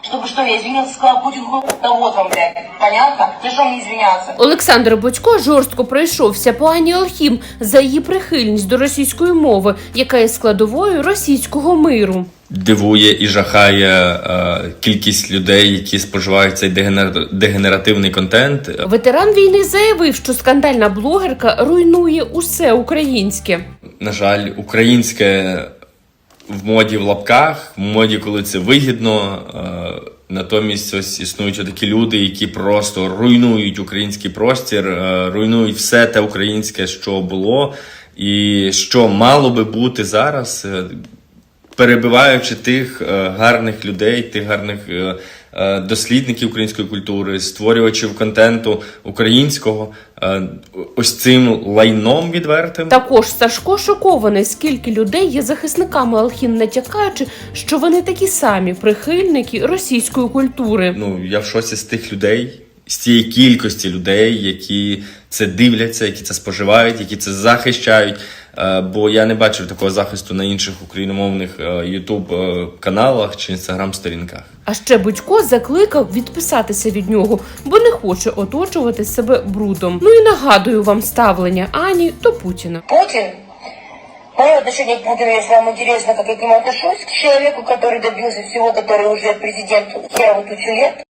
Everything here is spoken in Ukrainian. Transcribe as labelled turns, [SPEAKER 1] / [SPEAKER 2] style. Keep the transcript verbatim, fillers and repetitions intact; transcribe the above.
[SPEAKER 1] Чтобы что, я извинился, сказал Путин хуй, да вот вам, блядь. Понятно? За что мне извиняться?
[SPEAKER 2] Олександр Бодько жорстко пройшовся по Ані Алхім за її прихильність до російської мови, яка є складовою російського миру.
[SPEAKER 3] Дивує і жахає е, кількість людей, які споживають цей дегенер... дегенеративний контент.
[SPEAKER 2] Ветеран війни заявив, що скандальна блогерка руйнує усе українське.
[SPEAKER 3] На жаль, українське в моді в лапках, в моді, коли це вигідно. Е, натомість ось існують такі люди, які просто руйнують український простір, е, руйнують все те українське, що було і що мало би бути зараз, е, перебиваючи тих е, гарних людей, тих гарних е, е, дослідників української культури, створювачів контенту українського, е, ось цим лайном відвертим.
[SPEAKER 2] Також Сашко шокований, скільки людей є захисниками Алхім, натякаючи, що вони такі самі прихильники російської культури.
[SPEAKER 3] Ну, я в шоці з тих людей, з цієї кількості людей, які це дивляться, які це споживають, які це захищають. Бо я не бачив такого захисту на інших україномовних ютуб-каналах чи інстаграм-сторінках.
[SPEAKER 2] А ще Бодько закликав відписатися від нього, бо не хоче оточувати себе брудом. Ну і нагадую вам ставлення Ані до Путіна.
[SPEAKER 1] Путин? Мое отношение к Путину, если вам интересно, как я к нему отношусь, к человеку, который добился всего, который уже президент херово тучу лет.